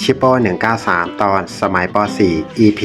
ชิปโป้193 ตอนสมัยป .4 EP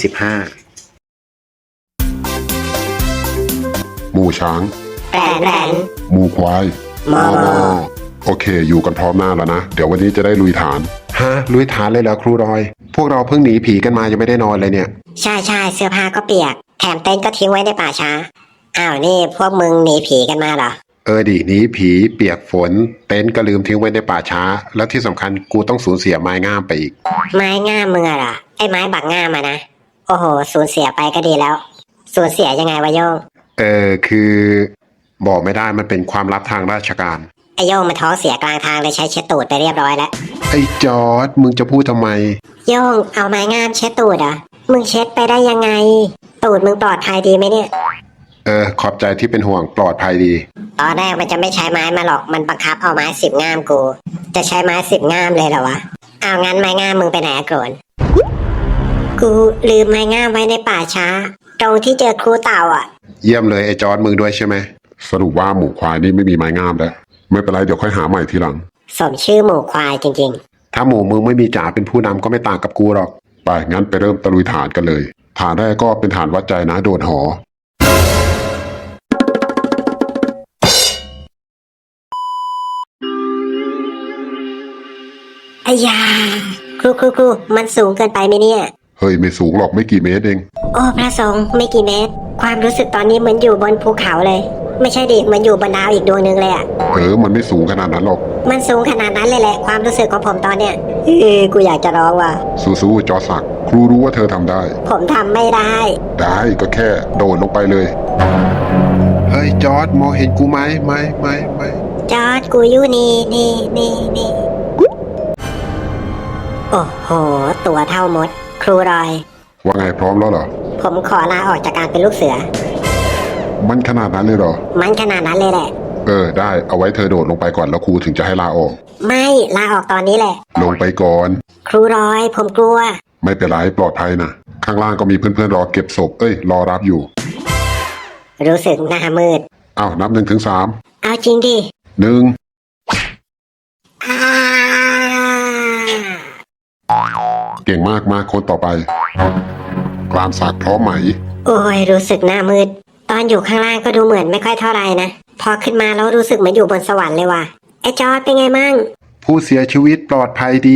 25 หมู่ช้างแปลนหมู่ควายมอโอเคอยู่กันพร้อมหน้าแล้วนะ เดี๋ยววันนี้จะได้ลุยฐานฮะลุยฐานเลยเหรอครูรอย พวกเราเพิ่งหนีผีกันมายังไม่ได้นอนเลยเนี่ยใช่เสื้อผ้าก็เปียกแถมเต็นท์ก็ทิ้งไว้ในป่าช้าอ้าวนี่พวกมึงหนีผีกันมาเหรอดิหนีผีเปียกฝนเต็นท์ก็ลืมทิ้งไว้ในป่าช้าแล้วที่สำคัญกูต้องสูญเสียไม้งามไปอีกไม้ง่ามมึงเหรอไอ้ไม้บักง่ามนะโอ้โหสูญเสียไปก็ดีแล้วสูญเสียยังไงวะโยงคือบอกไม่ได้มันเป็นความลับทางราชการไอ้โยงมันท้องเสียกลางทางเลยใช้เช็ดตูดไปเรียบร้อยแล้วไอ้จอร์ดมึงจะพูดทำไมโยงเอาไม้งามเช็ดตูดมึงเช็ดไปได้ยังไงตูดมึงปลอดภัยดีไหมเนี่ยขอบใจที่เป็นห่วงปลอดภัยดีตอนแรกมันจะไม่ใช้ไม้มาหรอกมันบังคับเอาไม้10 ง่ามกูจะใช้ไม้10 ง่ามเลยเหรอวะเอางั้นไม้ง่ามมึงไปไหนโกรนกูลืมไม้ง่ามไว้ในป่าช้าตรงที่เจอครูเต่าเยี่ยมเลยไอ้จอร์ดมึงด้วยใช่ไหมสรุปว่าหมู่ควายนี่ไม่มีไม้งามแล้วไม่เป็นไรเดี๋ยวค่อยหาใหม่ทีหลังสมชื่อหมูควายจริงๆถ้าหมูมึงไม่มีจ๋าเป็นผู้นำก็ไม่ต่างกับกูหรอกไปงั้นไปเริ่มตะลุยฐานกันเลยฐานแรกก็เป็นฐานวัดใจนะโดดหออ้ยาครูมันสูงเกินไปไหมเนี่ยเฮ้ยไม่สูงหรอกไม่กี่เมตรเองโอ้พระสงฆ์ไม่กี่เมตรความรู้สึกตอนนี้เหมือนอยู่บนภูเขาเลยไม่ใช่ดิเหมือนอยู่บนดาวอีกดวงนึงเลยมันไม่สูงขนาดนั้นหรอกมันสูงขนาดนั้นเลยแหละความรู้สึกของผมตอนเนี้ยกูอยากจะร้องว่ะสู้ๆจอศักดิ์ครูรู้ว่าเธอทำได้ผมทำไม่ได้ก็แค่โดดลงไปเลยเฮ้ยจอร์ดมองเห็นกูไหมจอร์ดกูอยู่นี่โอ้โหตัวเท่ามดครูรอยว่าไงพร้อมแล้วเหรอผมขอลาออกจากการเป็นลูกเสือมันขนาดนั้นเลยเหรอมันขนาดนั้นเลยแหละได้เอาไว้เธอโดดลงไปก่อนแล้วครูถึงจะให้ลาออกไม่ลาออกตอนนี้แหละลงไปก่อนครูรอยผมกลัวไม่เป็นไรปลอดภัยนะข้างล่างก็มีเพื่อนๆรอเก็บศพรอรับอยู่รู้สึกหน้ามืดนับ1 ถึง 3 เอาจริงดิ 1เก่งมากมาคนต่อไปกลามสักพร้อมไหมโอ้ยรู้สึกหน้ามืดตอนอยู่ข้างล่างก็ดูเหมือนไม่ค่อยเท่าไรนะพอขึ้นมาแล้วรู้สึกเหมือนอยู่บนสวรรค์เลยว่ะไอ้จอร์ดเป็นไงมั่งผู้เสียชีวิตปลอดภัยดี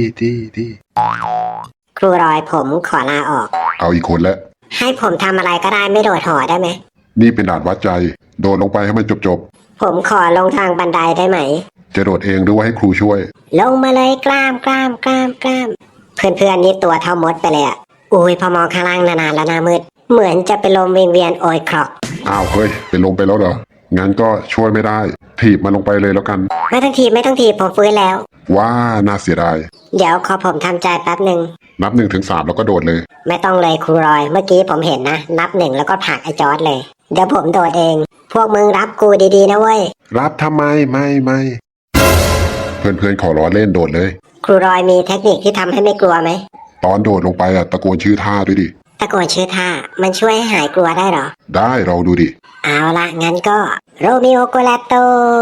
ครูรอยผมขอลาออกเอาอีกคนแล้วให้ผมทำอะไรก็ได้ไม่โดดหอได้ไหมนี่เป็นด่านวัดใจโดดลงไปให้มันจบผมขอลงทางบันไดได้ไหมจะโดดเองหรือว่าให้ครูช่วยลงมาเลยกล้ามเพื่อนนี่ตัวเท่ามดไปเลยอุ้ยพอมองข้างล่างนานๆแล้วหน้ามืดเหมือนจะเป็นลมเวียนโอยครอกเฮ้ยเป็นลมไปแล้วเหรองั้นก็ช่วยไม่ได้ถีบมันลงไปเลยแล้วกันไม่ต้องถีบผมฟื้นแล้วว่าน่าเสียดายเดี๋ยวขอผมทำใจแป๊บหนึ่งนับ1 ถึง 3แล้วก็โดดเลยไม่ต้องเลยครูรอยเมื่อกี้ผมเห็นนะนับ1แล้วก็ผลักไอ้จอร์ดเลยเดี๋ยวผมโดดเองพวกมึงรับกูดีๆนะเว้ยรับทำไมไม่เพื่อนๆขอล้อเล่นโดดเลยครูรอยมีเทคนิคที่ทำให้ไม่กลัวไหมตอนโดดลงไปตะโกนชื่อท่าด้วยดิตะโกนชื่อท่ามันช่วยให้หายกลัวได้หรอได้ลองดูดิเอาละงั้นก็โรมิโอโกลาโต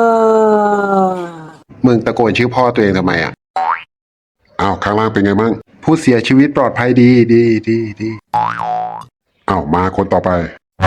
มึงตะโกนชื่อพ่อตัวเองทำไมข้างล่างเป็นไงมั่งผู้เสียชีวิตปลอดภัยดีมาคนต่อไป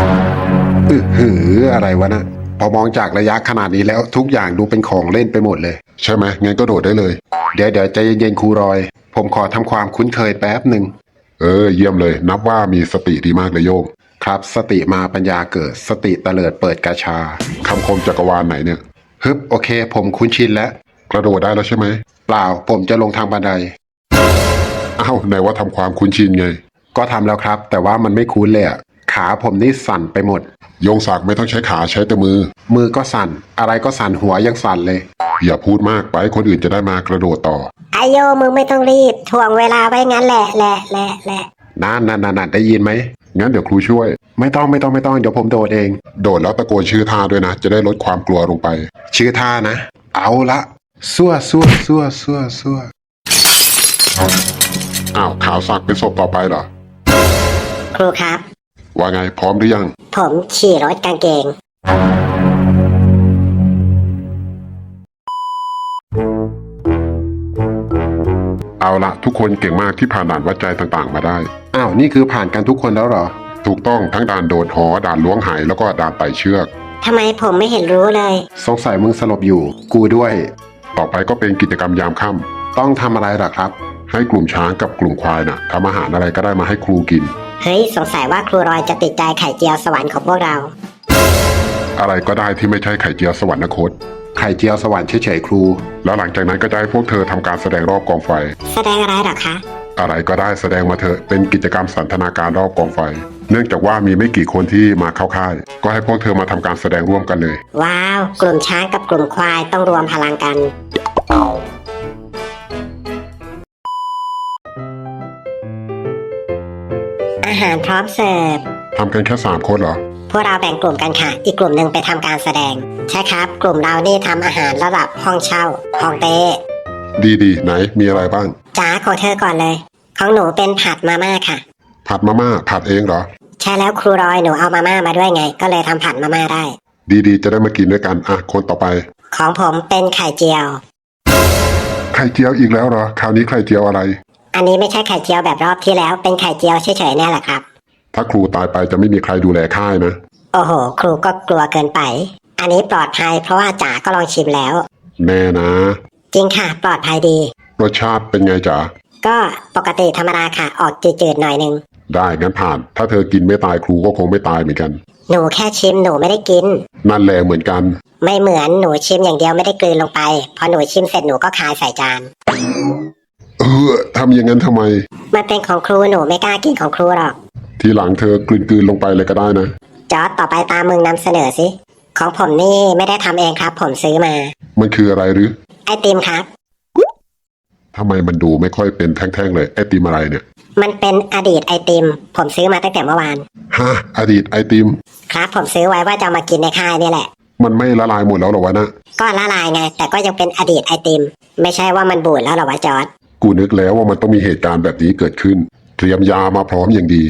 อะไรวะนะพอมองจากระยะขนาดนี้แล้วทุกอย่างดูเป็นของเล่นไปหมดเลยใช่ไหมงั้นก็โดดได้เลยเดี๋ยวใจเย็นๆครูรอยผมขอทำความคุ้นเคยแป๊บหนึ่งเยี่ยมเลยนับว่ามีสติดีมากเลยโยงครับสติมาปัญญาเกิดสติเตลิดเปิดกาชาคำคมจักรวาลไหนเนี่ยโอเคผมคุ้นชินแล้วกระโดดได้แล้วใช่ไหมเปล่าผมจะลงทางบันไดไหนว่าทำความคุ้นชินไงก็ทำแล้วครับแต่ว่ามันไม่คุ้นเลยขาผมนี่สั่นไปหมดโยงศักดิ์ไม่ต้องใช้ขาใช้แต่มือก็สั่นอะไรก็สั่นหัวยังสั่นเลยอย่าพูดมากไปคนอื่นจะได้มากระโดดต่อไอโยมึงไม่ต้องรีบถ่วงเวลาไว้งั้นแหละนั่นได้ยินไหมงั้นเดี๋ยวครูช่วยไม่ต้องเดี๋ยวผมโดดเองโดดแล้วตะโกนชื่อท่าด้วยนะจะได้ลดความกลัวลงไปชื่อท่านะเอาละซั่วขาวศักดิ์เป็นศพต่อไปเหรอครูครับว่าไงพร้อมหรือยังผมขี่รถกางเกงเอาละทุกคนเก่งมากที่ผ่านด่านวัดใจต่างๆมาได้อ้าวนี่คือผ่านกันทุกคนแล้วเหรอถูกต้องทั้งด่านโดดหอด่านล้วงหายแล้วก็ด่านไต่เชือกทำไมผมไม่เห็นรู้เลยสงสัยมึงสลบอยู่ กูด้วยต่อไปก็เป็นกิจกรรมยามค่ำต้องทำอะไรล่ะครับให้กลุ่มช้างกับกลุ่มควายน่ะทำอาหารอะไรก็ได้มาให้ครูกินเฮ้ยสงสัยว่าครูรอยจะติดใจไข่เจียวสวรรค์ของพวกเราอะไรก็ได้ที่ไม่ใช่ไข่เจียวสวรรคตไข่เจียวสวรรค์เฉยๆครูแล้วหลังจากนั้นก็จะให้พวกเธอทำการแสดงรอบกองไฟแสดงอะไรหรอคะอะไรก็ได้แสดงมาเถอะเป็นกิจกรรมสันทนาการรอบกองไฟ เนื่องจากว่ามีไม่กี่คนที่มาเข้าค่าย ก็ให้พวกเธอมาทำการแสดงร่วมกันเลยว้าว กลุ่มช้างกับกลุ่มควายต้องรวมพลังกัน อาหารพร้อมเสิร์ฟทำกันแค่3 คนเหรอพวกเราแบ่งกลุ่มกันค่ะ อีกกลุ่มหนึ่งไปทำการแสดง ใช่ครับ กลุ่มเรานี่ทำอาหารระดับห้องเช่าห้องเต้ดีๆไหนมีอะไรบ้างจ๋าของเธอก่อนเลย ของหนูเป็นผัดมาม่าค่ะผัดมาม่าผัดเองเหรอใช่แล้วครูรอยหนูเอามาม่ามาด้วยไง ก็เลยทำผัดมาม่าได้ดีๆจะได้มากินด้วยกันอ่ะคนต่อไปของผมเป็นไข่เจียวไข่เจียวอีกแล้วเหรอคราวนี้ไข่เจียวอะไรอันนี้ไม่ใช่ไข่เจียวแบบรอบที่แล้ว เป็นไข่เจียวเฉยๆเนี่ยแหละครับถ้าครูตายไปจะไม่มีใครดูแลค่ายนะโอ้โห ครูก็กลัวเกินไป อันนี้ปลอดภัยเพราะว่าจ๋าก็ลองชิมแล้วแน่นะจริงค่ะ ปลอดภัยดีรสชาติเป็นไงจ๋าก็ปกติธรรมดาค่ะ ออกจืดๆหน่อยนึงได้งั้นผ่าน ถ้าเธอกินไม่ตายครูก็คงไม่ตายเหมือนกันหนูแค่ชิมหนูไม่ได้กินนั่นแหละเหมือนกันไม่เหมือนหนูชิมอย่างเดียวไม่ได้กลืนลงไป พอหนูชิมเสร็จหนูก็คายใส่จานทำอย่างนั้นทำไมมันเป็นของครูหนูไม่กล้ากินของครูหรอกทีหลังเธอกลืนๆลงไปเลยก็ได้นะจอร์จต่อไปตามมึงนำเสนอสิ ของผมนี่ไม่ได้ทำเองครับ ผมซื้อมามันคืออะไรหรือไอติมครับทำไมมันดูไม่ค่อยเป็นแท่งๆเลยไอติมอะไรเนี่ยมันเป็นอดีตไอติม ผมซื้อมาตั้งแต่เมื่อวานฮะอดีตไอติมครับ ผมซื้อไว้ว่าจะเอามากินในค่ายนี่แหละมันไม่ละลายหมดแล้วเหรอวะนะก็ละลายไง แต่ก็ยังเป็นอดีตไอติม ไม่ใช่ว่ามันบูดแล้วเหรอวะจอร์จกูนึกแล้วว่ามันต้องมีเหตุการณ์แบบนี้เกิดขึ้น เตรียมยามาพร้อมอย่างดี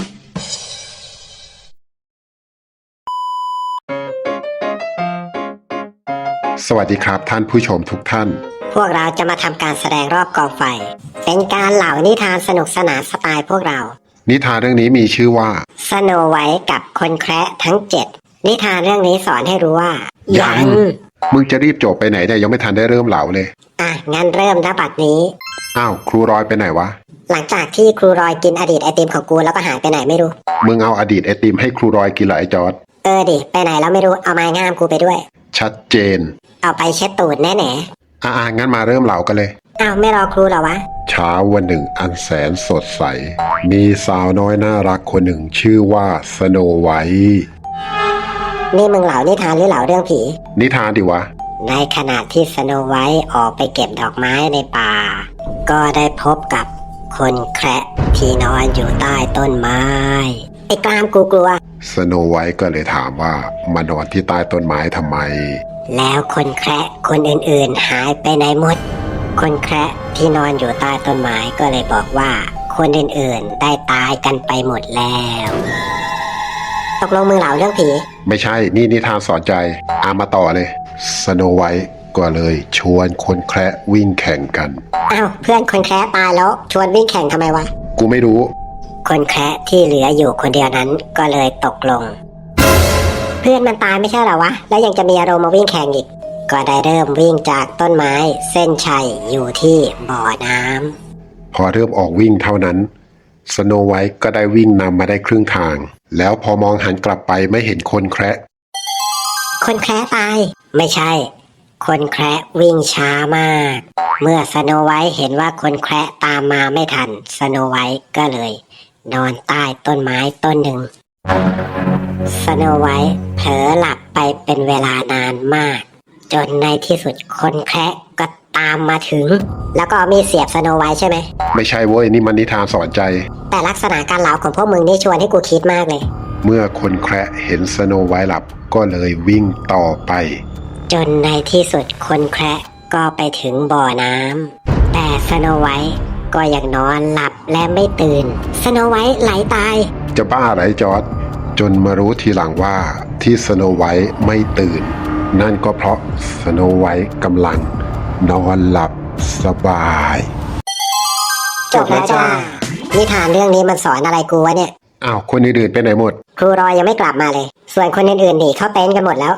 สวัสดีครับท่านผู้ชมทุกท่านพวกเราจะมาทำการแสดงรอบกองไฟ เป็นการเล่านิทานสนุกสนานสไตล์พวกเรานิทานเรื่องนี้มีชื่อว่าสโนไวท์กับคนแคระทั้ง 7 นิทานเรื่องนี้สอนให้รู้ว่ายัง มึงจะรีบจบไปไหนเนี่ยยังไม่ทันได้เริ่มเหล่าเลยอ่ะงั้นเริ่มณบัดนี้อ้าวครูรอยไปไหนวะหลังจากที่ครูรอยกินอดีตไอติมของกูแล้วก็หายไปไหนไม่รู้มึงเอาอดีตไอติมให้ครูรอยกินเหรอไอจอร์ดดิไปไหนแล้วไม่รู้เอาไม้งามกูไปด้วยชัดเจนเอาไปเช็ดตูดแน่งั้นมาเริ่มเหล่ากันเลยๆอ้าวไม่รอครูเหรอวะเช้าวันหนึ่งอันแสนสดใส มีสาวน้อยน่ารักคนหนึ่งชื่อว่าสโนไวท์นี่มึงเหล่านิทานหรือเหล่าเรื่องผีนิทานดิวะในขณะที่สโนไวท์ออกไปเก็บดอกไม้ในป่า ก็ได้พบกับคนแคระที่นอนอยู่ใต้ต้นไม้ ไอ้กลามกูกลัวสโนไวท์ก็เลยถามว่ามานอนที่ใต้ต้นไม้ทำไมแล้วคนแคระคนอื่นๆหายไปไหนหมด คนแคระที่นอนอยู่ใต้ต้นไม้ก็เลยบอกว่า คนอื่นๆได้ตายกันไปหมดแล้ว ตกลงมึงเหล่าเรื่องผีไม่ใช่นี่นิทานสอนใจมาต่อเลยสโนไวท์ก็เลยชวนคนแคระวิ่งแข่งกันอ้าวเพื่อนคนแคระตายแล้วชวนวิ่งแข่งทำไมวะกูไม่รู้คนแคระที่เหลืออยู่คนเดียวนั้นก็เลยตกลง เพื่อนมันตายไม่ใช่เหรอวะ แล้วยังจะมีอารมณ์มาวิ่งแข่งอีก ก็ได้เริ่มวิ่งจากต้นไม้เส้นชัยอยู่ที่บ่อน้ำพอเริ่มออกวิ่งเท่านั้นสโนไวท์ก็ได้วิ่งนำมาได้ครึ่งทาง แล้วพอมองหันกลับไปไม่เห็นคนแคระคนแคระตาย ไม่ใช่ คนแคระวิ่งช้ามาก เมื่อสโนไวท์เห็นว่าคนแคระตามมาไม่ทันสโนไวท์ก็เลย นอนใต้ต้นไม้ต้นหนึ่งสโนไวท์เผลอหลับไปเป็นเวลานานมาก จนในที่สุดคนแคระก็ตามมาถึง แล้วก็เอามีดเสียบสโนไวท์ใช่ไหมไม่ใช่เว้ยนี่มันนิทานสอนใจแต่ลักษณะการเล่าของพวกมึงนี่ชวนให้กูคิดมากเลยเมื่อคนแคระเห็นสโนไวท์หลับก็เลยวิ่งต่อไปจนในที่สุดคนแคระก็ไปถึงบ่อน้ำแต่สโนไวท์ก็ยังนอนหลับและไม่ตื่นสโนไวท์ไหลตายจะบ้าอะไรจอร์ดจนมารู้ทีหลังว่าที่สโนไวท์ไม่ตื่น นั่นก็เพราะสโนไวท์กำลังนอนหลับสบายจบแล้วจ้านิทานเรื่องนี้มันสอนอะไรกูวะเนี่ยอ้าวคนอื่นๆไปไหนหมดครูรอยยังไม่กลับมาเลย ส่วนคนอื่นๆหนีเข้าเต็นท์กันหมดแล้ว